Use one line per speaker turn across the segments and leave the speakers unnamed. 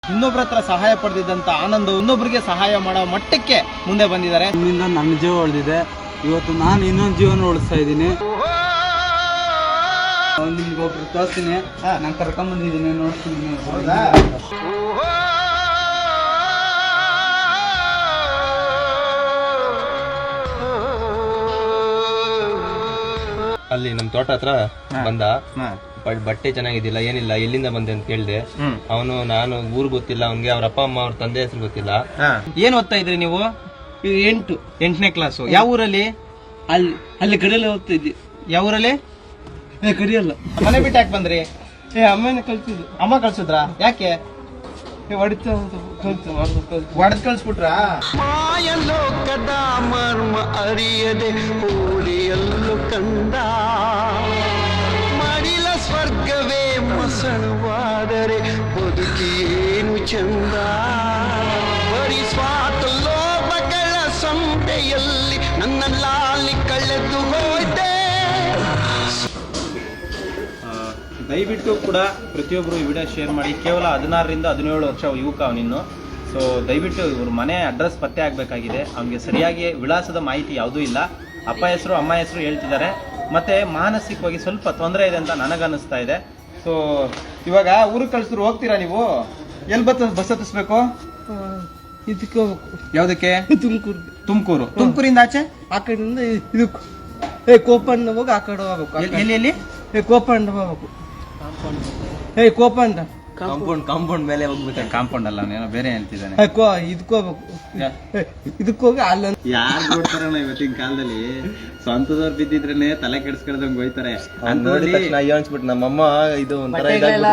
ಇನ್ನೊಬ್ಬರ ಹತ್ರ ಸಹಾಯ ಪಡೆದಿದ್ದಂತ ಆನಂದ ಇನ್ನೊಬ್ಬರಿಗೆ ಸಹಾಯ ಮಾಡೋ ಮಟ್ಟಕ್ಕೆ ಮುಂದೆ ಬಂದಿದ್ದಾರೆ.
ನಿಮ್ಮಿಂದ ನನ್ನ ಜೀವ ಉಳಿದಿದೆ. ಇವತ್ತು ನಾನು ಇನ್ನೊಂದು ಜೀವನ ಉಳಿಸ್ತಾ ಇದ್ದೀನಿ. ನಿಮ್ಗೆ ಒಬ್ರು ತೋರಿಸ್ತೀನಿ, ನಾನು ಕರ್ಕೊಂಬಂದಿದ್ದೀನಿ, ನೋಡ್ತೀನಿ.
ಅಲ್ಲಿ ನಮ್ ತೋಟ ಹತ್ರ ಬಂದ, ಬಟ್ಟೆ ಚೆನ್ನಾಗಿದ್ದಿಲ್ಲ, ಏನಿಲ್ಲ, ಎಲ್ಲಿಂದ ಬಂದೆ ಅಂತ ಕೇಳ್ದೆ. ಅವನು ನಾನು ಊರ್ ಗೊತ್ತಿಲ್ಲ ಅವನ್ಗೆ, ಅವ್ರ ಅಪ್ಪ ಅಮ್ಮ ಅವ್ರ ತಂದೆ ಹೆಸರು ಗೊತ್ತಿಲ್ಲ.
ಏನ್ ಓದ್ತಾ ಇದ್ರಿ ನೀವು? 8ನೇ ಕ್ಲಾಸು. ಯಾವ ಊರಲ್ಲಿ?
ಅಲ್ಲಿ ಕಡೆಯಲ್ಲ ಹೋಗ್ತಾ ಇದ್ದಿ.
ಯಾವ ಊರಲ್ಲಿ?
ಕರಿಯಲ್ಲ.
ಮನೆ ಬಿಟ್ಟು ಯಾಕೆ ಬಂದ್ರಿ?
ಅಮ್ಮನ ಕಳ್ಸಿದ್ರು.
ಅಮ್ಮ ಕಳ್ಸಿದ್ರಾ? ಯಾಕೆ?
ಹೊಡಿತ
ಒಡೆದ್ ಕಳ್ಸ್ಬಿಟ್ರಾ?
ಮಾಯಲೋಕದ ಮರ್ಮ ಅರಿಯದೆ ಹೋಲಿಯಲ್ಲು ಕಂದ, ಮಡಿಲ ಸ್ವರ್ಗವೇ ಮಸಣವಾದರೆ ಬದುಕೇನು ಚಂದ. ಬರಿ ಸ್ವಾತ ಲೋಭಗಳ ಸಂತೆಯಲ್ಲಿ ನನ್ನ ಲಾಲಿ ಕಳೆದು ಹೋಯ್ತೆ.
ದಯವಿಟ್ಟು ಕೂಡ ಪ್ರತಿಯೊಬ್ಬರು ಈ ವಿಡಿಯೋ ಶೇರ್ ಮಾಡಿ. ಕೇವಲ 16ರಿಂದ 17 ವರ್ಷ ಯುವಕ ಅವನಿನ್ನು. ಸೊ ದಯವಿಟ್ಟು ಇವ್ರ ಮನೆ ಅಡ್ರೆಸ್ ಪತ್ತೆ ಆಗಬೇಕಾಗಿದೆ. ಅವನಿಗೆ ಸರಿಯಾಗಿ ವಿಳಾಸದ ಮಾಹಿತಿ ಯಾವುದೂ ಇಲ್ಲ. ಅಪ್ಪ ಹೆಸರು ಅಮ್ಮ ಹೆಸರು ಹೇಳ್ತಿದ್ದಾರೆ. ಮತ್ತು ಮಾನಸಿಕವಾಗಿ ಸ್ವಲ್ಪ ತೊಂದರೆ ಇದೆ ಅಂತ ನನಗನ್ನಿಸ್ತಾ ಇದೆ. ಸೊ ಇವಾಗ ಊರಿಗೆ ಕಳಿಸಿದ್ರು ಹೋಗ್ತೀರಾ ನೀವು? ಎಲ್ಲಿ ಬಸ್ ಹತ್ತಿಸ್ಬೇಕು?
ಇದಕ್ಕೆ ಹೋಗ್ಬೇಕು.
ಯಾವುದಕ್ಕೆ?
ತುಮಕೂರು.
ತುಮಕೂರಿಂದ ಆಚೆ
ಆ ಕಡೆಯಿಂದ ಇದಕ್ಕೆ ಕೋಪಣ್ಣ ಹೋಗಿ ಆ ಕಡೆ ಹೋಗ್ಬೇಕು.
ಎಲ್ಲಿ?
ಕೋಪಣ್ಣ ಹೋಗ್ಬೇಕು. ಕೋಪಣ್ಣ
ಕಾಂಪೌಂಡ್ ಮೇಲೆ ಹೋಗ್ಬೇಕು. ಕಾಂಪೌಂಡ್ ಅಲ್ಲ, ಏನೋ ಬೇರೆ ಹೇಳ್ತಿದ್ದಾನೆ.
ಇದಕ್ಕೆ ಹೋಗ್ಬೇಕು. ಇದಕ್ಕೆ ಹೋಗಿ ಅಲ್ಲ.
ಯಾರು ಕೊಡ್ತಾರಣ್ಣ ಇವತ್ತಿನ ಕಾಲದಲ್ಲಿ? ಸ್ವಂತದವ್ರು ಬಿದ್ದಿದ್ರೇನೆ ತಲೆ ಕೆಡಿಸ್ಕೊಳ್ದಂಗ್ ಹೋಯ್ತಾರೆ.
ನೋಡಿದ ತಕ್ಷಣ ಅಯ್ಯೋ ಅನ್ಸ್ಬಿಟ್ಟು ನಮ್ಮಮ್ಮ ಇದು ಒಂಥರ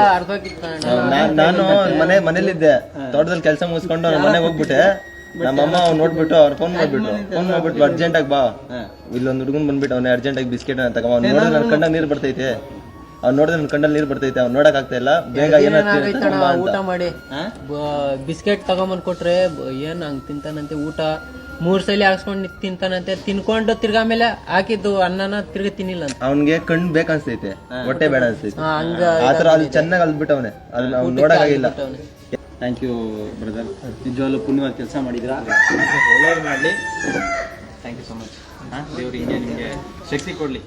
ನಾನು ಮನೇಲಿದ್ದೆ, ತೋಟದಲ್ಲಿ ಕೆಲಸ ಮುಗಿಸ್ಕೊಂಡು ನನ್ನ ಮನೆಗೆ ಹೋಗ್ಬಿಟ್ಟೆ. ನಮ್ಮಮ್ಮ ಅವ್ನು ನೋಡ್ಬಿಟ್ಟು ಅವ್ರು ಫೋನ್ ಮಾಡ್ಬಿಟ್ಟು ಅರ್ಜೆಂಟ್ ಆಗಿ ಬಾ, ಇಲ್ಲೊಂದು ಹುಡುಗನ್ ಬಂದ್ಬಿಟ್ಟು ಅವ್ನ ಅರ್ಜೆಂಟ್ ಆಗಿ ಬಿಸ್ಕೆಟ್ ತಗೋ. ಅವ್ನು ನೋಡಿದ್ರೆ ನನ್ನ ಕಣ್ಣಲ್ಲಿ ನೀರು ಬರ್ತೈತೆ, ಅವ್ನು ನೋಡಿದ್ರೆ ನನ್ನ ಕಣ್ಣಲ್ಲಿ ನೀರು ಬರ್ತೈತೆ. ಅವ್ನು ನೋಡಕ್ ಆಗ್ತಾ ಇಲ್ಲ. ಬೇಗ
ಊಟ ಮಾಡಿ ಬಿಸ್ಕೆಟ್ ತಗೊಂಬಂದ್ ಕೊಟ್ರೆ ಏನ್ ಹಂಗ್ ತಿಂತಾನಂತೆ. ಊಟ 3 ಸಲ ಹಾಕ್ಸ್ಕೊಂಡ್ ತಿಂತಾನಂತೆ. ತಿನ್ಕೊಂಡು ತಿರ್ಗಾ ಮೇಲೆ ಹಾಕಿದ್ದು ಅನ್ನನ ತಿರ್ಗಿ ತಿನ್ನಿಲ್ಲ ಅಂತ.
ಅವ್ನ್ಗೆ ಕಣ್ಣು ಬೇಕನ್ಸ್ತೈತೆ, ಹೊಟ್ಟೆ ಬೇಡ ಅನ್ಸ್ತೈತೆ. ಆತರ ಅಲ್ಲಿ ಚೆನ್ನಾಗಿ ಅಲ್ಬಿಟ್ಟವನೆ, ಅದನ್ನ ಅವ್ನು ನೋಡಕ್ಕಾಗಿಲ್ಲ.
ಥ್ಯಾಂಕ್ ಯು ಬ್ರದರ್, ನಿಜವಾಗ್ಲೂ ಪುಣ್ಯವಾದ ಕೆಲಸ ಮಾಡಿದ್ರ. ಒಳ್ಳೆಯದು ಮಾಡಲಿ. Thank you so much. ದೇವ್ರು ಹಿಂಗೆ ನಿಮಗೆ ಶಕ್ತಿ ಕೊಡಲಿ.